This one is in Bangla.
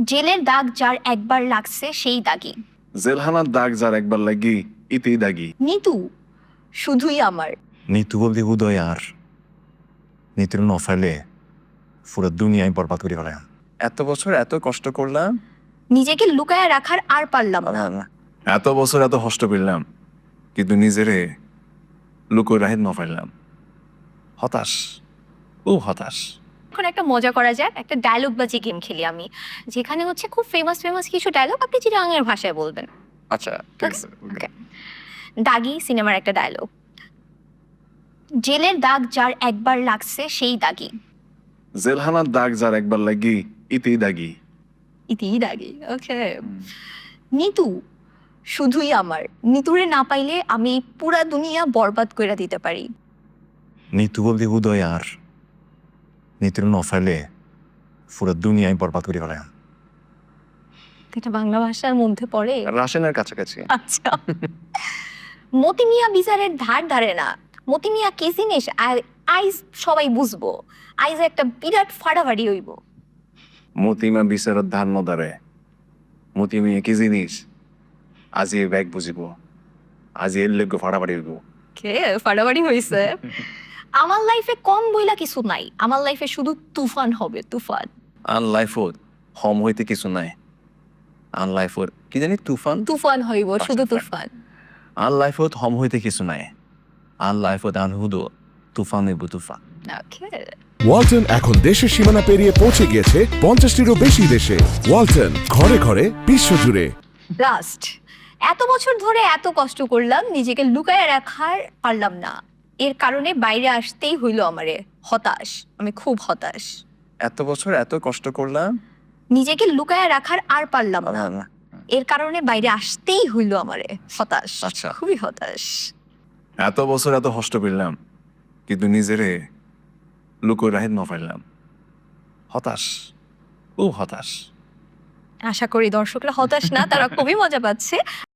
জেলের দাগ যার একবার লাগছে সেই দাগি। জেলখানার দাগ যার একবার লাগি ইতেই দাগি। নিতু শুধুই আমার। নিতু বলতে উদয় আর নিতুর নফাইলে পুরো দুনিয়ায় বরবাদ করে ফেলাম। এত বছর এত কষ্ট করলাম, নিজেকে লুকায় রাখার আর পারলাম না। এত বছর এত কষ্ট পেলাম কিন্তু নিজেরে লুকোয় রাহিত ন পাইলাম। হতাশ, ও হতাশ। এখন একটা মজা করা যাক, একটা ডায়লগ বাজি গেম খেলি আমি, যেখানে হচ্ছে খুব ফেমাস কিছু ডায়লগ আপনি চিটাগাংয়ের ভাষায় বলবেন। আচ্ছা ঠিক আছে। Okay. দাগি সিনেমার একটা ডায়লগ। জেলের দাগ যার একবার লাগছে সেই দাগি। জেলখানার দাগ যার একবার লাগি ইতেই দাগি। ইতি দাগি। ওকে। নিতু শুধুই আমার। নিতুরে না পাইলে আমি পুরা দুনিয়া বরবাদ করে দিতে পারি। নিতু বলতে উদয় আর নিতুর নফাইলে পুরো দুনিয়ায় বরবাদ করে ফেলাম। এটা বাংলা ভাষার মধ্যে পড়ে। রাশিয়ানের কাছাকাছি। আচ্ছা। মতি মিয়া বিচারের ধার ধারে না। মতি মিয়া কি জিনিস আর আইজ সবাই বুঝবো। আইজ একটা বিরাট ফাড়াফাড়ি হইব। মতিমা বিচারত ধান নদারে। মতিমিয়া কি জিনিস আজি ব্যাগ বুঝিব, আজি এর লেগে ফাড়াফাড়ি হইব। কে ফাড়াফাড়ি হইছে? আমার লাইফে কম বইলা কিছু নাই, আমার লাইফে শুধু তুফান হবে, তুফান। আন লাইফত হম হইতে কিছু নাই। আন লাইফত কি জানি তুফান। তুফান হইব, শুধু তুফান। তুফান। আন লাইফত হম হইতে কিছু নাই। আন লাইফত আন হুদো তুফান হইব তুফান। ওকে। ওয়ালটন এখন দেশের সীমানা পেরিয়ে পৌঁছে গিয়েছে 50টিরও বেশি দেশে। ওয়ালটন, ঘরে ঘরে বিশ্বজুড়ে। লাস্ট এত বছর ধরে এত কষ্ট করলাম, নিজেকে লুকায় রাখার পারলাম না। এর কারণে বাইরে আসতেই হইলো আমারে। হতাশ, আমি খুব হতাশ। এত বছর এত কষ্ট করলাম। নিজেকে লুকায় রাখার আর পারলাম না। এর কারণে বাইরে আসতেই হইলো আমারে। হতাশ, আচ্ছা। খুবই হতাশ। এত বছর এত কষ্ট পেলাম কিন্তু নিজেরে লুকোয় রাহিত ন পাইলাম। হতাশ, ও হতাশ। আশা করি দর্শকরা হতাশ না, তারা খুবই মজা পাচ্ছে।